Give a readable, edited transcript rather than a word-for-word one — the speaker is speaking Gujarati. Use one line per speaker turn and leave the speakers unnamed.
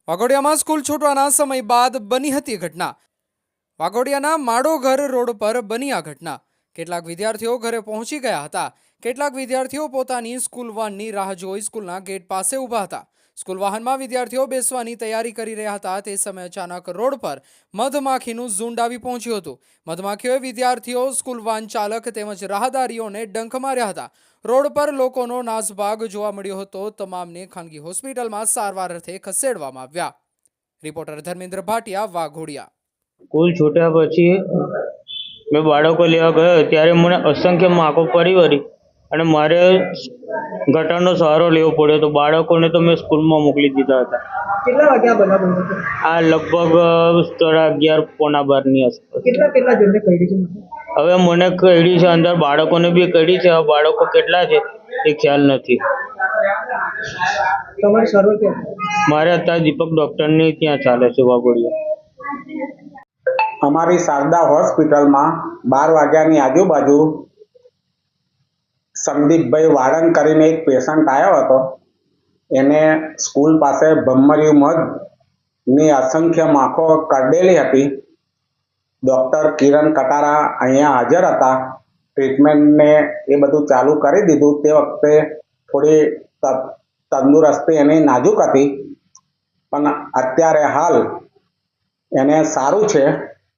વાઘોડિયામાં સ્કૂલ છૂટવાના સમય બાદ બની હતી ઘટના। વાઘોડિયાના માડોઘર રોડ પર બની આ ઘટના। કેટલાક વિદ્યાર્થીઓ ઘરે પહોંચી ગયા હતા। કેટલાક વિદ્યાર્થીઓ પોતાની સ્કૂલ વાનની રાહ જોઈ સ્કૂલના ગેટ પાસે ઊભા હતા। સ્કૂલ વાહનમાં વિદ્યાર્થીઓ બેસવાની તૈયારી કરી રહ્યા હતા। તે સમયે અચાનક રોડ પર મધમાખીનું ઝુંડ આવી પહોંચ્યું હતું। મધમાખીઓએ વિદ્યાર્થીઓ, સ્કૂલ વાન ચાલક તેમજ રાહદારીઓને ડંખ માર્યા હતા। રોડ પર લોકોનો નાસભાગ જોવા મળ્યો હતો। તમામને ખાનગી હોસ્પિટલમાં સારવાર અર્થે ખસેડવામાં આવ્યા। રિપોર્ટર ધર્મેન્દ્ર ભાટિયા, વાઘોડિયા।
સ્કૂલ છૂટ્યા પછી મેં બાળકો લેવા ગયો ત્યારે મને અસંખ્ય માકો પડી વળી અને મારે ગટરનો સહારો લેવો પડ્યો તો બાળકોને તો મેં સ્કૂલમાં મોકલી દીધા હતા।
કેટલા વાગ્યા બનાવ હતો?
આ લગભગ 11:30 પોણા 12ની આસપાસ।
કેટલા જણને કરી છે?
હવે મને કઈડી છે, અંદર બાળકોને બી કઈડી છે। હવે બાળકો કેટલા છે એ ખ્યાલ નથી।
તમારી સારવાર ક્યાં?
મારે અત્યારે દીપક ડૉક્ટરની ત્યાં ચાલે છે વાઘોડિયા।
અમારી શારદા હોસ્પિટલમાં 12 વાગ્યાની આજુબાજુ સંદીપભાઈ વાળંદ કરીને એક પેશન્ટ આવ્યો હતો। એને સ્કૂલ પાસે ભમરિયું મધની અસંખ્ય માખો કરડેલી હતી। ડૉક્ટર કિરણ કટારા અહીંયા હાજર હતા। ટ્રીટમેન્ટને એ બધું ચાલુ કરી દીધું। તે વખતે થોડી તંદુરસ્તી એની નાજુક હતી, પણ અત્યારે હાલ એને સારું છે।